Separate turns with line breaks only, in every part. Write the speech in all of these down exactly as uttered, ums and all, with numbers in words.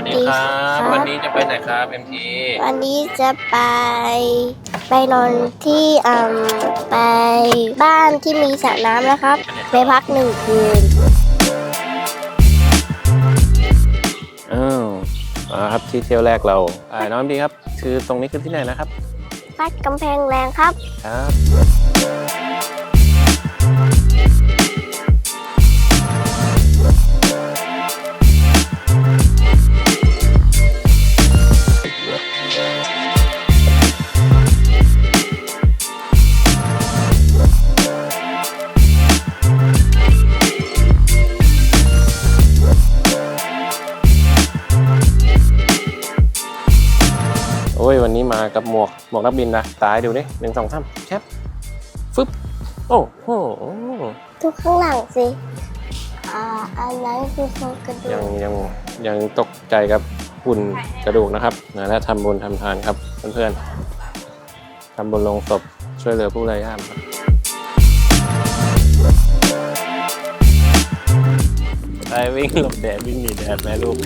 วัสดีครับวันนี้จะไปไหนครับเอ็มที
วันนี้จะไปไปนอนที่อ่าไปบ้านที่มีสระน้ำนะครับไปพักหนึ่งคืน
อ้าวมาครับที่เที่ยวแรกเราอ่าน้องดีครับคือตรงนี้คือที่ไหนนะครับ
วัดกำแพงแรงครับ
ครับโอ้ยวันนี้มากับหมวกหมวกนักบินนะตายดูนี่หนึ่งสองสามแชปฟึบโอ้โห
ทุกข้างหลังสิอ่าอันนั้นคือโครงกระดูก
ยังยังยังตกใจกับหุ่นกระดูกนะครับนะและทำบุญทำทานครับเพื่อนๆทำบุญลงศพช่วยเหลือผู้ไร้ญาติครับไปวิ่งหลบแดดวิ่งหนีแดดแม่ลูก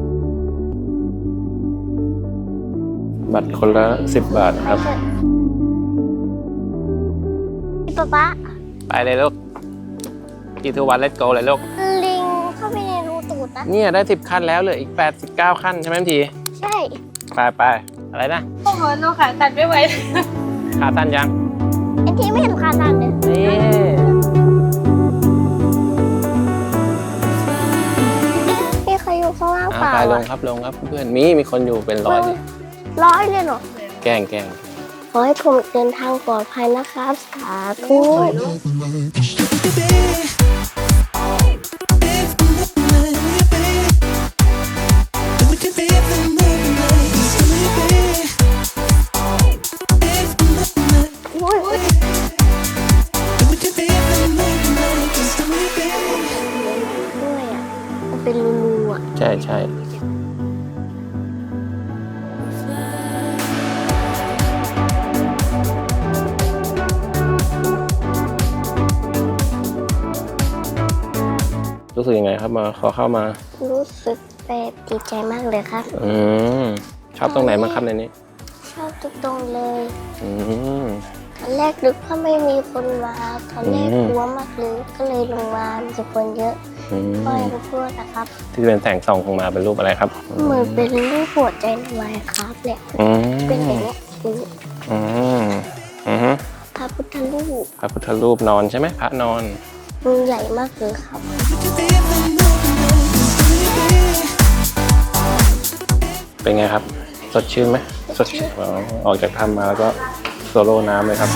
บัตรคนละสิบบาทครับ
ป๊าป๊า
ไปเลยลูกกี่ทุกวันเลทโกเลยลูก
ลิงเข้าไปในรูตูดนะ
เนี่ยได้สิบขั้นแล้วเหลืออีกแปดสิบเก้าขั้นใช่ไหมที
ใช่
ไปไปอะไรนะ
โอ้โหหนูขาตัดไม่ไหว
ขาตันยัง
ไอ้ที่ไม่เห็นขาตันเลย
นี่
มีใครอยู่ข้างล่างเปล่า
ไปลงครับลงครับเพื่อนมีมีคนอยู่เป็นร้อย
ร้อยเลยเหรอ
แกล้งแกล้ง
ขอให้ผมเดินทางปลอดภัยนะครับสาธุด้วยอ่ะมันเป็นรูๆอ่ะ
ใช่ใช่รู้สึกยังไงครับมาขอเข้ามา
รู้สึกแบบดีใจมากเลยครับ
อืมชอบตรงไหนมางครับในนี้
ชอบทุกตรงเลย
อืม
ตอนแรกนึกว่าไม่มีคนมาตอนแรกกลัวมากเลยก็เลยลงมามีคนเยอะก็ยังพูดนะครับ
ที่เป็นแสงส่องของมาเป็นรูปอะไรครับ
เหมือนเป็นรูปหัวใจในวัยครับเนี่ยเป็นอย่างนี้
อืมอืม
พระพุทธรูป
พระพุทธรูปนอนใช่ไหมพระนอน
มันใหญ่มากเลยครับ
เป็นไงครับสดชื่นไหมสดชื่นออกจากถ้ำมาแล้วก็โซโล่น้ำเลยครับ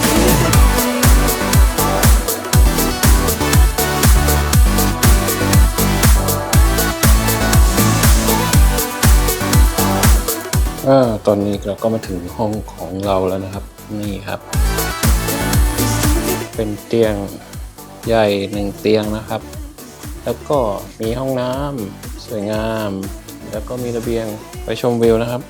อ่าตอนนี้เราก็มาถึงห้องของเราแล้วนะครับนี่ครับเป็นเตียงใหญ่หนึ่งเตียงนะครับแล้วก็มีห้องน้ำสวยงามแล้วก็มีระเบียงไปชมวิวนะครับ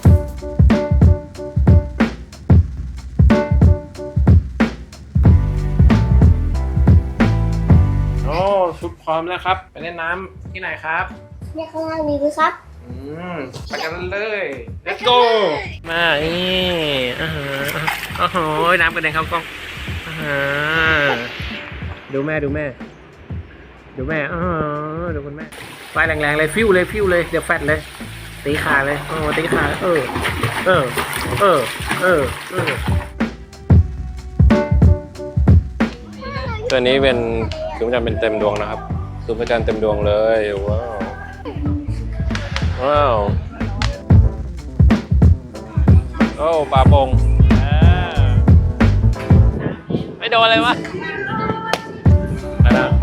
โอ้ชุดพร้อมแล้วครับไปเล่นน้ำที่ไหนครับ
เนี่ยข้างล่างมีด้วยครับ
อืมไปกันเลย let's go มานี่อ่าฮะโอ้โหน้ำกระเด็นเข้ากล้องอ่าฮะดูแม่ดูแม่ดูแม่อ๋อดูคุณแม่ไฟแรงๆเลยฟิวเลยฟิวเลยเดี๋ยวแฟดเลยตีขาเลยโอ้ตีขาเออเออเออเออเออตัวนี้เป็นคือมันจะเป็นเต็มดวงนะครับคือพระจันทร์เต็มดวงเลยว้าวว้าวโอ้ปลาปงไม่โดนเลยวะอะไรนะ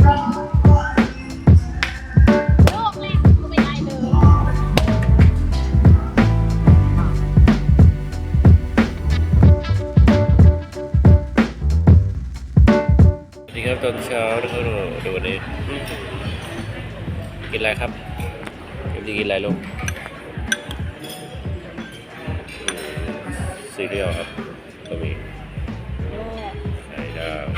นี่ครับตอนเช้าดูนี่กินอะไรครับกินกินอะไรลูกซีเรียลครับก็มีไข่ดาว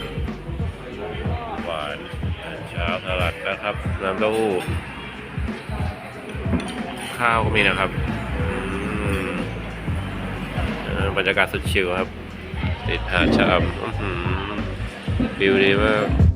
หวานเช้าสลัดนะครับน้ำเต้าหู้ข้าวก็มีนะครับอืมเออบรรยากาศสุดชิลครับติดหาดชะอำอื้อหือวิวดีมาก